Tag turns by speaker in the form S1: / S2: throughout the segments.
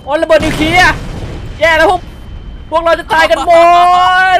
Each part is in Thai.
S1: โอ้ระเบิดนิวเคลียร์แย่แล้วพวกเราจะตายกันหมด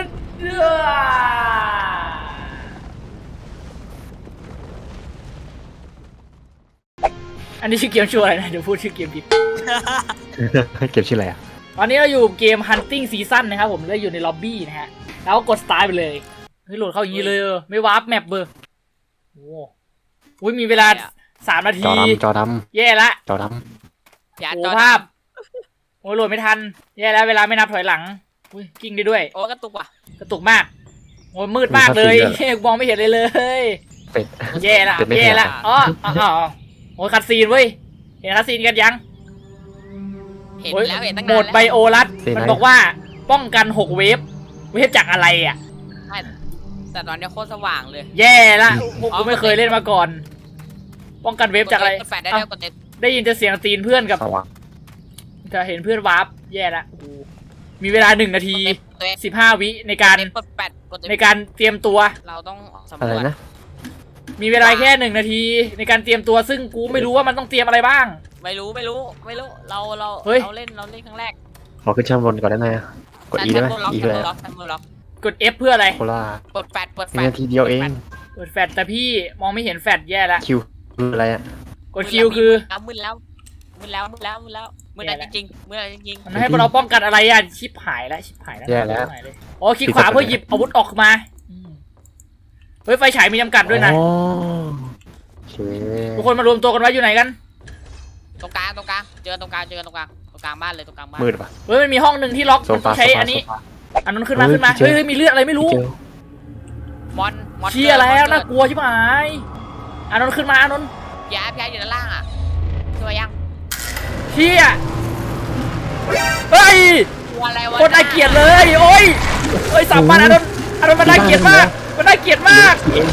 S1: อันนี้ชื่อเกมชื่ออะไรนะเดี๋ยวพูดชื่อเกมผิด
S2: เก็บชื่ออะไรอ่ะ
S1: ตอนนี้เราอยู่เกม Hunting Season นะครับผมได้อยู่ในล็อบบี้นะฮะแล้วก็กด Start ไปเลยเฮ้ยโหลดเข้าอย่างนี้เลยไม่วาร์ปแมปเบอร์โอ้ยมีเวลา3 นาที
S2: จอด
S1: แย่ละ
S2: ำจอด
S1: โอ้ภาพโอ้ยโหลดไม่ทันแย่แล้วเวลาไม่นับถอยหลังอุ้ยกิ้งได้ด้วย
S3: โอ้กระตุกว่ะ
S1: กระตุกมากโอ้ยมืดมากเลยมองไม่เห็นเลย
S2: เป็ด
S1: แย่ละ
S2: เป็ดไม่
S1: แย่ละ
S2: เห็น
S1: อ๋อโอ้ยคัดซีนเว้ยเห็นคัดซีนกันยัง
S3: เห็น
S1: โอ้ย
S3: แล้วเห็นตั้ง
S1: โหม
S3: นาน
S1: ด
S3: แล้ว
S1: ไบโอรัสมันบอกว่าป้องกัน6 เวฟจากอะไรอ่ะ
S3: แต่ตอนนี้โคตรสว่างเลย
S1: แย่ละพวกกูไม่เคยเล่นมาก่อน ป้องกันเวฟจากอะไร
S3: กดแฟลชได้
S1: เอ้า
S3: แล้วกดเน็ต
S1: ได้ยินแต่เสียงตีนเพื่อนกับ
S2: สว่าง
S1: จะเห็นเพื่อนวาร์ปแย่ละโอ้โหมีเวลา1 นาที
S3: ตัวเอง
S1: 15 วิในการ
S3: กดแฟลชกดเน็ต
S1: ในการเตรียมตัว
S3: เราต้องสำ
S2: อะ
S3: ร
S2: ไร
S3: วจ
S2: นะ
S1: มีเวลาแค่1 นาทีในการเตรียมตัวซึ่งกูไม่รู้ว่ามันต้องเตรียมอะไรบ้าง
S3: ไม่รู้เรา
S1: เฮ้ย
S3: เล่นครั้งแรก
S2: ขอขึ้นชั้นบนก่อนได้ไหมอะกด E ได้ไหม E คืออะไร
S3: ล็อกทันมือล็อก
S1: กด F เพื่ออะไร
S2: โคล่าก
S3: ดแฟลช
S2: มีนาทีเดียวเอง
S1: กดแฟดแต่พี่มองไม่เห็นแฟดแย่ละ
S2: คิวคืออะไรอ่ะ
S1: กดคิวคือ
S3: มืดแล้วมืดแล้วจริงมืดแล้วจริง
S1: มันให้เราป้องกันอะไรอ่ะชิปหายแล้วชิปหายแล้ว
S2: แย่แล้ว
S1: หายเลยโอ้คลิกขวาเพื่อหยิบอาวุธออกมาเฮ้ยไฟฉายมีจำกัดด้วยนะ
S2: อ๋อโอเค
S1: ทุกคนมารวมตัวกันไว้อยู่ไหนกัน
S3: ตรงกลางเจอตรงกลางบ้านเลยตรงกลางบ้าน
S2: มืดปะ
S1: เฮ้ยมันมีห้องหนึ่งที่ล็อก
S2: โซ
S1: มันต้
S2: ฟา
S1: องใช้อันนี้
S2: โซฟา
S1: อันนั้นขึ้นมา
S2: เฮ้ย
S1: เฮ้ยมีเลือดอะไรไม่รู้
S2: เจอ
S3: มอน
S1: เชี่ยแล้วน่ากลัวชิบหายอันนั้นขึ้นมาอันนั้น
S3: ยาอยู่ด้านล่างอ่ะช่วยยัง
S1: เชี่ยเฮ้ย
S3: ตัวอะไรวะ
S1: คนน่าเกลียดเลยโอ้ยเฮ้ยสับมันอันนั้นมันน่าเกลียดมากมันน่าเกลียดมาก
S2: เอง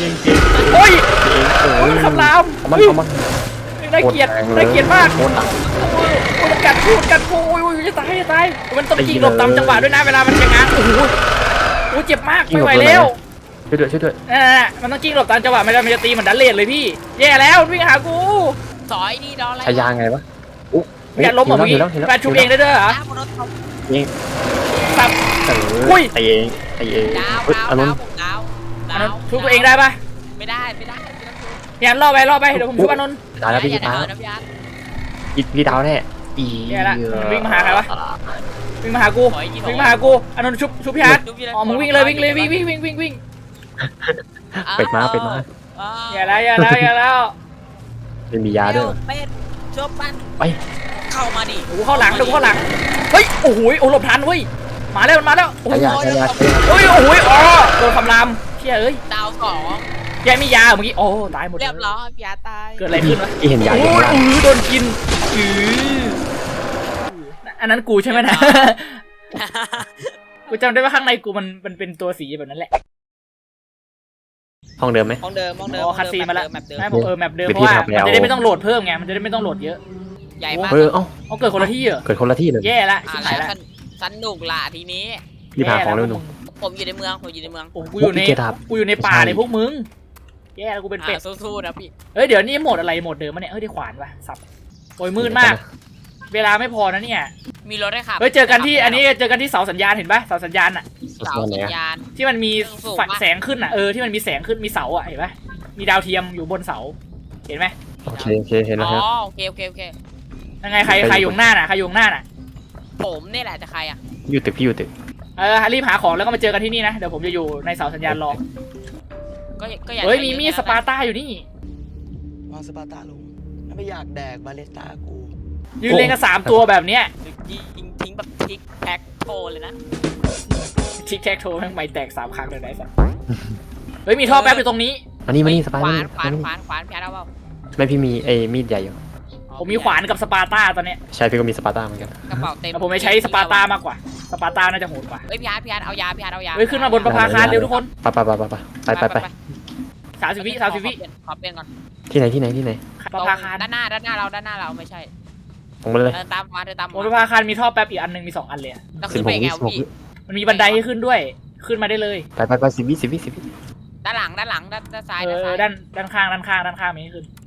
S1: โอ้ย
S2: โอ้
S1: โอ้ย
S2: ย
S1: มันคำราม
S2: เอามัน
S1: น่าเกลียดมาก
S2: โคตรหนัก
S1: โอ้ยมันกัดกูโอ้ยจะตายมันต้องยิงหลบตามจังหวะด้วยนะเวลามันจะง้างโอ้โหเจ็บมากไม่ไหวแล้ว
S2: ช่วยด้วย
S1: มันต้องกิ้งหลบตามจังหวะไม่ได้มันจะตีเหมือนดันเลดเลยพี่แย่แล้ววิ่งหากู
S3: สอยดีดออะไร
S2: ใช้ยางไงวะอุ๊
S1: อย่าล้มเหรอเมื่อกี้แฟนชุบเองได้ด้วยเหรอ
S3: ดาวบนรถเขา
S2: ยิง
S1: สับ
S2: อุ้ยตีเอง
S3: ดาว
S2: อันนั้น
S1: ชุบตัวเองได้ปะ
S3: ไม่ได้
S1: อย่าล่อไปเดี๋ยวผมชุบอานนท์
S2: ตายแล้วพี่ตาย
S3: นะพี่อาร์ต
S2: พี่ดาวแน่อี
S1: แย่ละวิ่งมาหาใครวะ วิ่งมาหากูอานนท์ชุบพี่อาร์ตอ๋อมึงวิ่งเลยวิ่ง
S2: เป็ดมา
S1: อย่าแล้ว
S2: เป็นมียาด้วย
S3: เป็ดชบปัน
S2: ไป
S3: เข้ามาดิ
S1: ดูเข้าหลังเฮ้ยโอ้โหหลบทันเว้ยมาแล้วโอ้
S2: ใช้ยา
S1: เฮ้ยโอ้โหโดนคำรามเชี่ยเอ้ย
S3: ดาว2
S1: แกมียาเมื่อกี้โอ้ตายหมด
S3: เรียบร้อยพี่อาร์ตตาย
S1: เกิดอะไรขึ้นวะ
S2: ที่เห็นยา
S1: โอ้
S2: อยู่ข้างล่าง
S1: โดนกินอันนั้นกูใช่ไหมนะ กูจำได้ว่าข้างในกูมันเป็นตัวสีแบบนั้นแหละ
S2: ห้องเดิมไหม
S3: ห้องเดิม
S1: อ๋อคัสซีนมาแล้ว
S3: แมปเดิม
S1: ไม่บอกแมปเดิม
S2: หรือ
S1: เพราะว่า
S2: ที่ทำแล้ว
S1: มันจะได้ไม่ต้องโหลดเพิ่มไงมันจะได้ไม่ต้องโหลดเยอะ
S3: ใหญ่มาก
S2: เอ้า
S1: เอาเกิดคนละที่เหรอ
S2: เกิดคนละที่เลย
S1: แย่ละชิบหายละ
S3: สนุกล่ะทีนี้
S2: รีบหาของเร็วหนู
S3: ผมอยู่ในเมือง
S1: โอ้กูอยู่ในป่าในพวกมึงแย่แล้วกูเป็นเป็ด
S3: สู้ๆนะพี่
S1: เฮ้ยเดี๋ยวนี่โหมดอะไรโหมดเดิมมะเนี่ยเฮ้ยได้ขวานวะสับโอ้ยมืดมาก เวลาไม่พอนะเนี่ย
S3: มีรถได้ขับ
S1: เฮ้ยเจอกันที่อันนี้เจอกันที่เสาสัญญาณเห็นปะเสาสัญญาณอะ
S3: เสาสัญญาณ
S1: ที่มันมีแสงขึ้นอะที่มันมีแสงขึ้นมีเสาอะเห็นปะมีดาวเทียมอยู่บนเสาเห็นไหม
S2: โอเคเห็นแล้ว
S3: อ๋
S2: ครับ
S3: อโอเค
S1: ยังไงใครอยู่หน้าน่ะ
S3: ผมนี่แหละจะใครอ่ะ
S2: อยู่ตึกพี่อยู่ตึก
S1: รีบหาของแล้วก็มาเจอกันที่นี่นะเดี๋ยวผมจะอยู่ในเสาสัญญาณรอ
S3: ก็อยาก
S1: เฮ้ยมีมีดสปาร์ต้าอยู่นี่
S4: วางสปาร์ตาลงถ้าไม่อยากแดกบาเลสตากู
S1: ยืนเรียงกัน3 ตัวแบบเนี้ย
S3: ยิงทิ้งแบบทิกแพ็คโทเลยนะ
S1: ทิกแท็กโทแม่งไม่แตก3 ครั้งเลยนะสัสเฮ้ยมีท่อแป๊บอยู่ตรงนี้
S2: มานี่สปาย
S3: ข
S2: มา
S3: วาน
S2: นี่
S3: พี่อาร์ตเอาเปล่า
S2: ไม่พี่มีไอ้มีดใหญ่อยู่
S1: ผมมีขวานกับสปาร์ต้าตอนเนี้ย
S2: ใช่พี่ก็มีสปาร์ต้าเหมือนกัน
S3: กระเป๋าเต็ม
S1: แต่ผมไม่ใช้สปาร์ต้ามากกว่าสปาร์ต้าน่าจะโหดกว่า
S3: เฮ้ยพี่อาร์ตเอายา
S1: เฮ้ยขึ้นมาบนประภาคารเร็วทุกคน
S2: ไป
S1: 30 วิ
S3: ขอเปลี่ยนก่อน
S2: ที่ไหน
S1: ประภาคาร
S3: ด้านหน้าเราไม่ใช่
S2: ตรงไปเลย
S3: เดินตามมา
S1: บนประภาคารมีท่อแป๊บอีกอันนึงมี2 อันเลย
S3: ก็ขึ้นไปไงพี่
S1: มันมีบันไดให้ขึ้นด้วยขึ้นมาได้เลย
S2: ไป10 วิ
S3: ด้านหลังด้านซ้าย
S1: ด้านข้างมีให้ขึ้น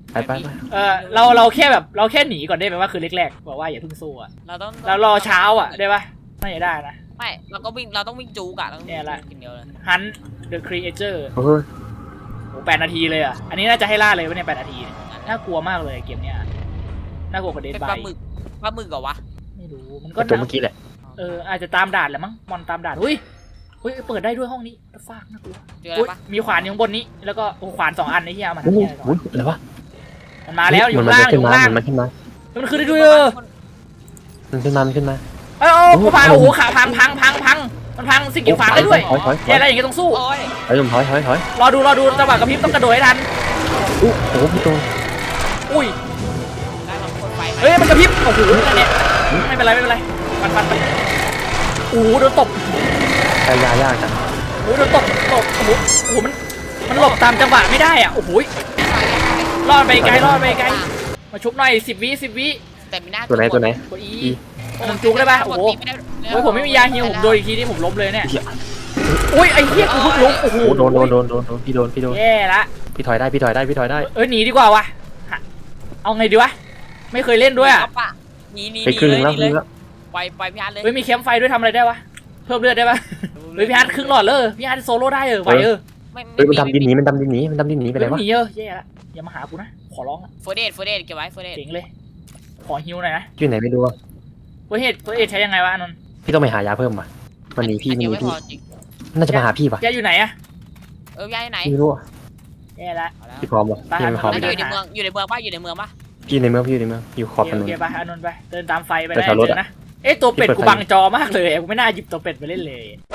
S2: ไปไปไป
S1: เราแค่แบบเราแค่หนีก่อนได้ไหมว่าคือแรกๆบอกว่าอย่าเพิ่งสู้อะ
S3: เราต้อง
S1: แล้วรอเช้าอะได้ปะน่าจะได้นะ
S3: ไม่เราก็วิ่งเราต้องวิ่งจูกอะเราต้อง
S1: เนี่ยแหละ
S3: กินเดียวเลย
S1: Hunt the Creature
S2: โอ้ย
S1: โอ้8 นาทีเลยอะอันนี้น่าจะให้ล่าเลยวะเนี่ย8 นาทีเนี่ยน่ากลัวมากเลยเกมเนี้ยน่ากลัวกว่าเดด
S3: เป็น
S1: บา
S3: ปลาย หมึกเหรอวะ
S1: ไม่รู้มัน
S2: ก็
S1: ก็
S2: ตัวเมื่อกี้แหละ
S1: อาจจะตามด่านแหละมั้งมอนตามด่านเฮ้ยเปิดได้ด้วยห้องนี้ฟากน่ากลัว
S3: เจออะไร
S1: อุ๊ย
S3: ปะ
S1: มีขวานอยู่ข้างบนนี้แล้วก็โอ้ขวาน2 อันในที่เอามา
S2: โอ้
S1: ทำ
S2: โห
S1: เนี่ยอะไรก่อน
S2: อะไรวะ
S1: มันมาแล้วอยู่
S2: มัน
S1: ข้างล่างอ
S2: ขึ้น
S1: ยู่
S2: มา
S1: ข้างล่าง
S2: มันขึ้นมา
S1: มันขึ้นได้ด้วย
S2: มันขึ้นมามันขึ้นมา
S1: เอ้ยกูพาโอ้โหขาพังมันพังสิ่งกีดขวางได้ด้วย
S2: ถอยถอยถ
S1: แค่
S2: อย
S1: อะไรอย่างเงี้ยต้องสู้
S3: โอ้ย
S2: ถอยถอยถอยถอย
S1: รอดูจังหวะกระพริบต้องกระโดดให้ทัน
S2: โอ้โหพี่โต
S1: อุ้ย
S3: ได้มาคนไฟไหม
S1: เฮ้ยมันกระพริบโอ้โหนั่นเนี่ยไม่เป็นไรฟันไปโอ้โหโดนตบ
S2: ใช้ยายากจัง
S1: โอ้โหโดนตบโอ้โหมันหลบตามจังหวะไม่ได้อ่ะโอ้โหรอดไปไกลมาชุบหน่อย10 วิ
S3: แต่มีหน้า
S2: ตัวไหน
S1: กด E มันจุกได้ปะโอ้โหโอ้ยผมไม่มียาฮิวผมโดนอีกทีนี่ผมล้มเลยเนี่ย
S2: เหี้ย
S1: อุ้ยไอ้เหี้ยกูเพิ่งล้มโอ้โห
S2: โอ้โดนพี่โดน
S1: แย่ละ
S2: พี่ถอยได้
S1: หนีดีกว่าวะเอาไงดีวะไม่เคยเล่นด้วยอ่ะ
S3: หนี
S2: ไปครึ่งแล้ว
S3: เลยปล่อยพี่อาร์ตเลย
S1: เฮ้ยมีแคมป์ไฟด้วยทำอะไรได้วะเพิ่มเลือดได้ปะเฮ้ยพี่อาร์ตครึ่งหลอดเลยพี่อาร์ตโซโล่ได้ไหว
S2: เฮ้ยมันดำดินหนีไปไหนวะ
S1: หนีแย่ละอย่ามาหากูนะขอร้องอะ
S3: โฟเดตเก็บไว้โฟเดต
S1: เจ๋งเลยขอฮิวหน่อยนะ
S2: อยู่ไหนไม่รู้อ่ะ
S1: เฟิร์สเอดใช้ยังไงวะอานนท์
S2: พี่ต้องไปหายาเพิ่มว่ะมันหนีพี่
S3: ไม่พอจริง
S2: น่าจะมาหาพี่ป่ะ
S1: แกอยู่ไหนอะ
S3: ย้ายไหน
S2: พี่ไม่รู้อ่ะ
S1: แย่ละ
S2: พี่พร้อมป่ะพี่ไม่พร้อม
S3: แล้ว
S1: ไป
S3: อยู่ในเมืองป่ะอยู่ในเมืองป่ะ
S2: พี่ในเมืองอยู่ขอบถน
S1: โอน เคปะอานนท์ไปเดินตามไฟไป
S2: แต่
S1: ได้
S2: แถวรถ
S1: เจ
S2: อะ
S1: อนะตัวเป็ด
S2: ที่เปิด
S1: กู
S2: ไฟ
S1: บังจอมากเลยกูไม่น่าหยิบตัวเป็ดไปเล่นเลย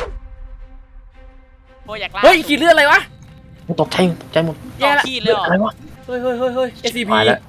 S3: โอ้อยากล่า
S1: เฮ้ยขีดเลือดอะไรวะ
S2: ตกใจหมด
S1: แย่ละ
S3: ขี้เลยเหรอ
S2: อะไรวะ
S1: เฮ้ย SCP
S2: ตายแล้ว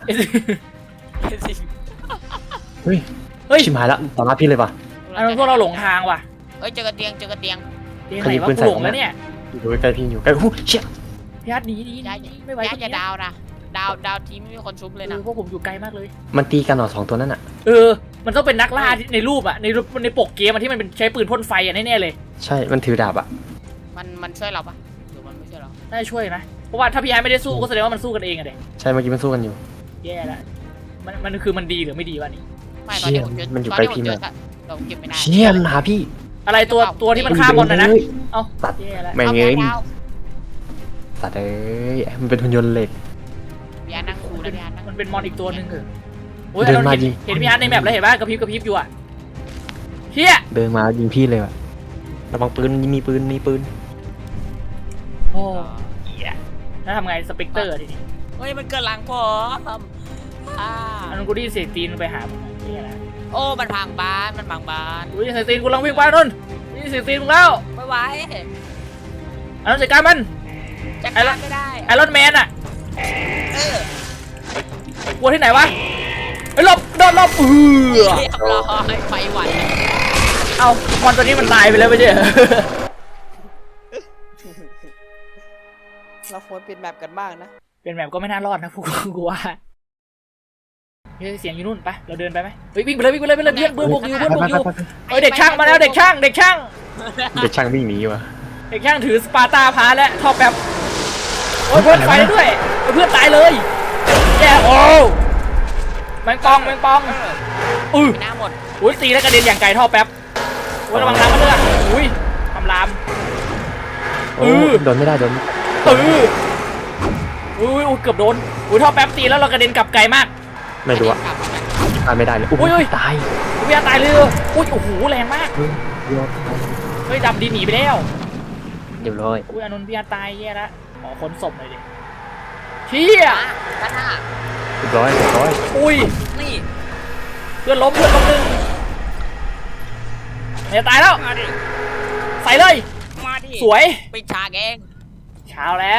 S2: เฮ้ย
S1: เฮ้ย
S2: ชิมหายละต่อหน้าพี่เลยป่ะ
S1: อานนท์พวกเราหลงทางว่ะ
S3: เฮ้ยเจอกระเตียง
S1: เตียงไหนวะกูหลงแล้วเนี่ย
S2: อยู่ใกล้พี่อยู่ใกล้โอ้เชี่ย
S1: พี่อาร์ตหนีไม่ไหว
S3: ย้ายจะดาวนะดาวทีไม่มีคนชุบเลยนะ
S1: พวกผมอยู่ไกลมากเลย
S2: มันตีกันเหรอ2 ตัวนั่นอ่ะ
S1: มันต้องเป็นนักล่าที่ในรูปอะในปกเกมอะที่มันเป็นใช้ปืนพ่นไฟอะแน่ๆเลย
S2: ใช่มันถือดาบอ่ะ
S3: มันช่วยเราปะหรือมันไม่ช่วยเรา
S1: น่าจะช่วยนะเพราะว่าถ้าพี่ไอ้ไม่ได้สู้ก็แสดงว่ามันสู้กันเองอะเด็ก
S2: ใช่เมื่อกี้มันสู้กันอยู่
S1: แย่ละมันคือมันดีหรือไม่ดีวะนี่
S3: ไม่ตอนที่ผมเจอ
S2: มันอยู่
S3: ตอน
S2: ใกล้
S3: ที่ผม
S2: พี่
S3: เจ
S2: มา
S3: อก เราเก็บไม่ได้
S2: เชี่ยมันหาพี่
S1: อะไรตัวที่มันฆ่าบอลนะ เอ้า
S2: ตัด
S1: แย่ละ
S2: แม่งเอ้ย
S3: ดาว
S2: ตัดเอ้ยมันเป็นหุ่นยนต์เหล็ก
S3: พี่อาร์ตนั่งคูนะพี่อาร์ตนั่ง
S1: มันเป็นมอนอีกตัวหนึ่งเหรอโอ้ย
S2: เดินมา
S1: เห็น
S2: ยิง
S1: เห็นพี่อาร์ตในแมปแล้วเห็นป่ะกระพริบอยู่อะเฮีย
S2: เดินมายิงพี่เลยว่ะระวังปืนมีปืน
S1: โอ้เหี้ยแล้วทำไงสเปกเตอร์ทีนี้
S3: เฮ้ยมันเกิดหลังผมอ่า
S1: อันนั้นกูได้ยินเสียงตีนไปหาผมเฮียละ
S3: โอ้มันพังบ้าน
S1: กูได้ยินเสียงตีนกูกำลังวิ่งไปนนท์ได้ยินเสียงตีนมึงแล้ว
S3: ไม่ไหว
S1: อันนั้นจัดการมัน
S3: จัดการไม่ได้
S1: ไอรอนแมนอะ
S3: เออก
S1: ลัวที่ไหนวะไอ้หลบโดนหลบ
S3: เรียบร้อยไฟหวัน
S1: เอามอนตัวนี้มันตายไปแล้วไม่ใช่เหรอ
S4: เราควรเป็นแบบกันบ้างนะ
S1: เป็นแบบก็ไม่น่ารอดนะพวกกูว่าเฮ้ยเสียงอยู่นู่นไปเราเดินไปไหมเฮ้ยวิ่งไปเลยเพื่อนเบื่อบุกอยู่เฮ้ยเด็กช่างมาแล้วเด็กช่าง
S2: เด็กช่างวิ่งหนีว่ะ
S1: เด็กช่างถือสปาร์ตาพาและท่อแป๊บโอ้ยเพื่อนไฟได้ด้วยเพื่อนตายเลยแย่โอ้แมงปอง
S3: หน้าหมด
S1: อุ้ยตีแล้วกระเด็นอย่างไกลท่อแป๊บโอ้ยระวังน้ำมันด้วยอุ้ยทำลาม
S2: โอ้โดนไม่ได้
S1: อุ้ยเกือบโดนอุ้ยท่อแป๊บตีแล้วเรากระเด็นกลับไกลมาก
S2: ไม่รู้อ่ะตายไม่ได้เลย
S1: อุ้ย
S2: ตาย
S1: พี่อาตายเลยอุ้ยโอ้โหแรงมากเฮ้ยดำดินหนีไปแล้ว
S2: เดี๋ยวร้อย
S1: อุ้ยอานนท์พี่อาตายแย่ละขอค้นศพหน่อยดิเชี่ย
S3: ด้านหน้า
S2: เรียบร้อย
S1: อุ้ย
S3: นี่
S1: เพื่อนล้มหนึ่งเนี่ยตายแล้ว
S3: มาดิ
S1: ใส่เลย
S3: มาดิ
S1: สวย
S3: ปิดฉากเอง
S1: เช้าแล้ว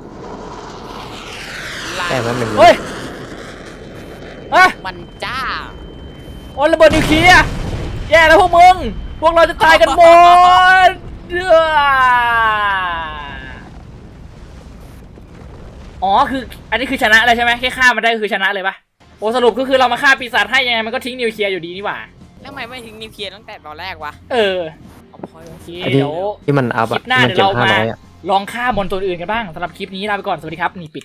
S2: แค่นั้นหนึ่ง
S1: เฮ้ยอะ
S3: มันจ้า
S1: โอ้ยระเบิดนิวเคลียร์แย่แล้วพวกมึงพวกเราจะตายกันหมดอ๋อคืออันนี้คือชนะเลยใช่ไหมแค่ฆ่ามันได้คือชนะเลยปะโอ้สรุปก็คือเรามาฆ่าปีศาจให้ยังไงมันก็ทิ้งนิวเคลียร์อยู่ดีนี่หว่า
S3: แล้วทำไมไม่ทิ้งนิวเคลียร์ตั้งแต่ตอนแรกวะ
S1: เออ
S3: เอาพอย
S1: โอเค
S2: ไอ้ที่
S1: เดี๋ยว
S2: ที่มันอัพ
S1: คลิ
S2: อ่ะ
S1: ปหน้า
S2: มัน
S1: เดี๋ยว
S2: เก็บ
S1: เรามา
S2: 500อ่ะ
S1: ลองฆ่ามอนตัวอื่นกันบ้างสำหรับคลิปนี้ลาไปก่อนสวัสดีครับนี่ปิด